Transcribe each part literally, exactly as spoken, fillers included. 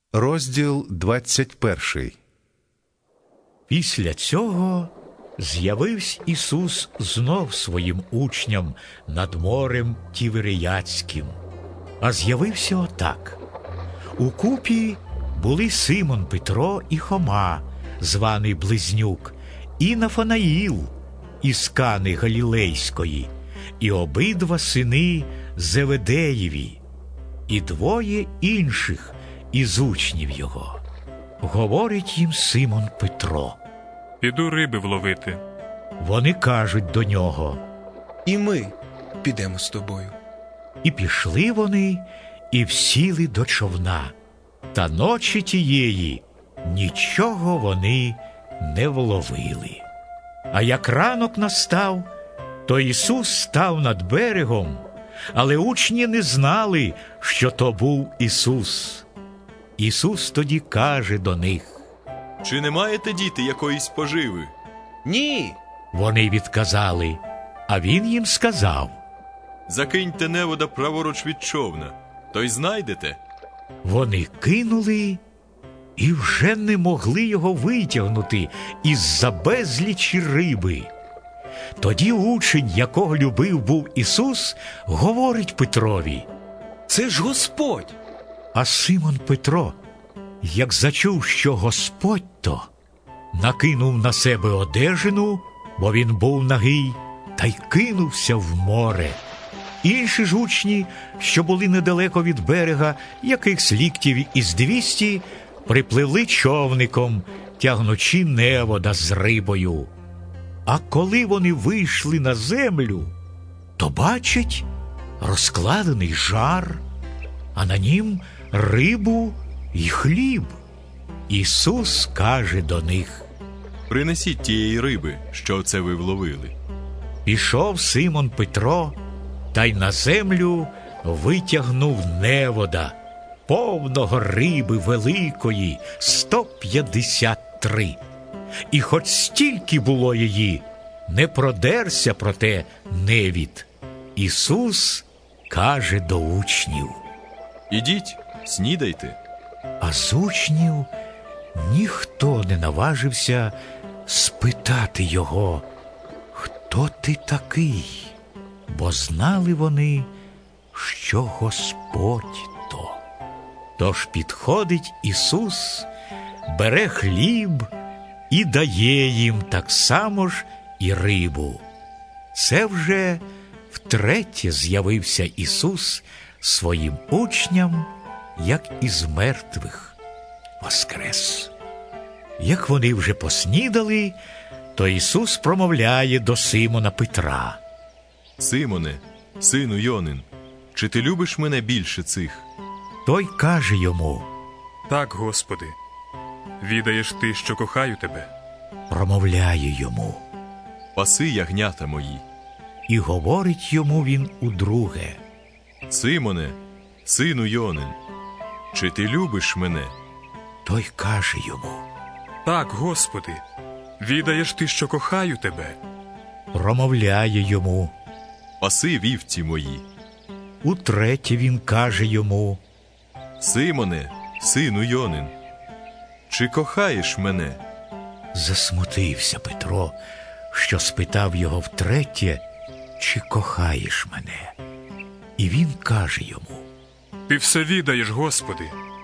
Розділ двадцять перший. Після цього з'явився Ісус знов своїм учням над морем Тіверіадським. А з'явився отак. Укупі були Симон Петро і Хома, званий Близнюк, і Нафанаїл із Кани Галілейської, і обидва сини Зеведеєві, і двоє інших із учнів його. Говорить їм Симон Петро: «Піду риби вловити». Вони кажуть до нього: «І ми підемо з тобою». І пішли вони, і всіли до човна. Та ночі тієї нічого вони не вловили. А як ранок настав, то Ісус став над берегом, але учні не знали, що то був Ісус. Ісус тоді каже до них: «Чи не маєте, діти, якоїсь поживи?» «Ні». Вони відказали, а Він їм сказав: «Закиньте невода праворуч від човна, то й знайдете». Вони кинули і вже не могли його витягнути із-за безлічі риби. Тоді учень, якого любив був Ісус, говорить Петрові: «Це ж Господь!» А Симон Петро, як зачув, що Господь то, накинув на себе одежину, бо він був нагий, та й кинувся в море. Інші ж учні, що були недалеко від берега, якихось ліктів із двісті, припливли човником, тягнучи невода з рибою. А коли вони вийшли на землю, то бачать розкладений жар, а на нім рибу й хліб. Ісус каже до них: «Принесіть тієї риби, що це ви вловили». Пішов Симон Петро, та й на землю витягнув невода, повного риби великої, сто п'ятдесят три. І хоч стільки було її, не продерся проте невід. Ісус каже до учнів: «Ідіть, снідайте». А з учнів ніхто не наважився спитати його: «Хто ти такий?» Бо знали вони, що Господь то. Тож підходить Ісус, бере хліб і дає їм так само ж і рибу. Це вже втретє з'явився Ісус своїм учням, як із мертвих воскрес. Як вони вже поснідали, то Ісус промовляє до Симона Петра: «Симоне, сину Йонин, чи ти любиш мене більше цих?» Той каже йому: «Так, Господи, відаєш ти, що кохаю тебе». Промовляє йому: «Паси ягнята мої». І говорить йому він удруге: «Симоне, сину Йонин, чи ти любиш мене?» Той каже йому: «Так, Господи, відаєш ти, що кохаю тебе». Промовляє йому: «Паси вівці мої». Утретє він каже йому: «Симоне, сину Йонин, чи кохаєш мене?» Засмутився Петро, що спитав його втретє, чи кохаєш мене. І він каже йому: «Ти все відаєш, Господи,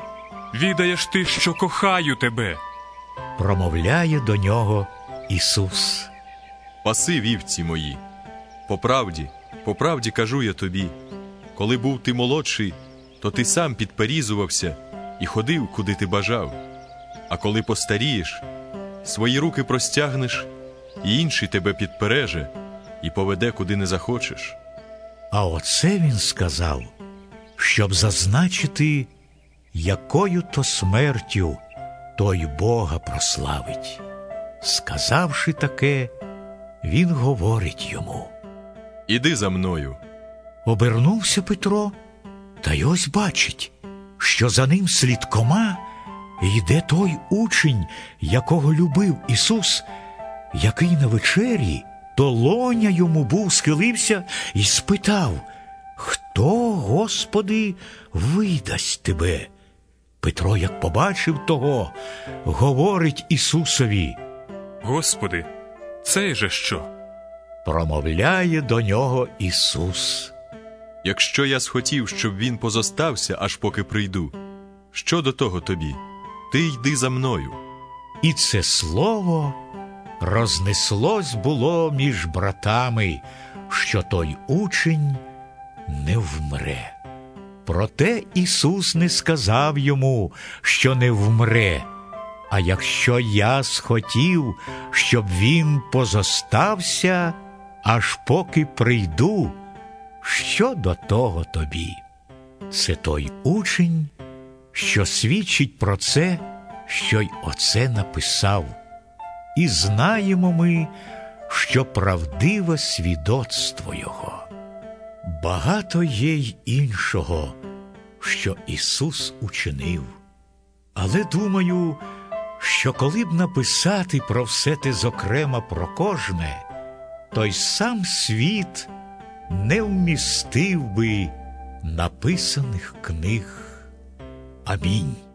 відаєш ти, що кохаю тебе». Промовляє до нього Ісус: «Паси вівці мої. По правді, по правді кажу я тобі, коли був ти молодший, то ти сам підперізувався і ходив, куди ти бажав. А коли постарієш, свої руки простягнеш, і інший тебе підпереже і поведе, куди не захочеш». А оце він сказав, щоб зазначити, якою то смертю той Бога прославить. Сказавши таке, він говорить йому: «Іди за мною». Обернувся Петро, та й ось бачить, що за ним слідкома йде той учень, якого любив Ісус, який на вечері долоня йому був схилився і спитав: «Хто, Господи, видасть тебе?» Петро, як побачив того, говорить Ісусові, Господи, цей же що? промовляє до нього Ісус. Якщо я схотів, щоб він позостався, аж поки прийду, що до того тобі? Ти йди за мною. І це слово рознеслось було між братами, що той учень не вмре. Проте Ісус не сказав йому, що не вмре, а якщо я схотів, щоб він позостався, аж поки прийду, що до того тобі? Це той учень, що свідчить про це, що й оце написав. І знаємо ми, що правдиве свідоцтво його. Багато є й іншого, що Ісус учинив. Але думаю, що коли б написати про все те зокрема про кожне, то й сам світ не вмістив би написаних книг. Амінь.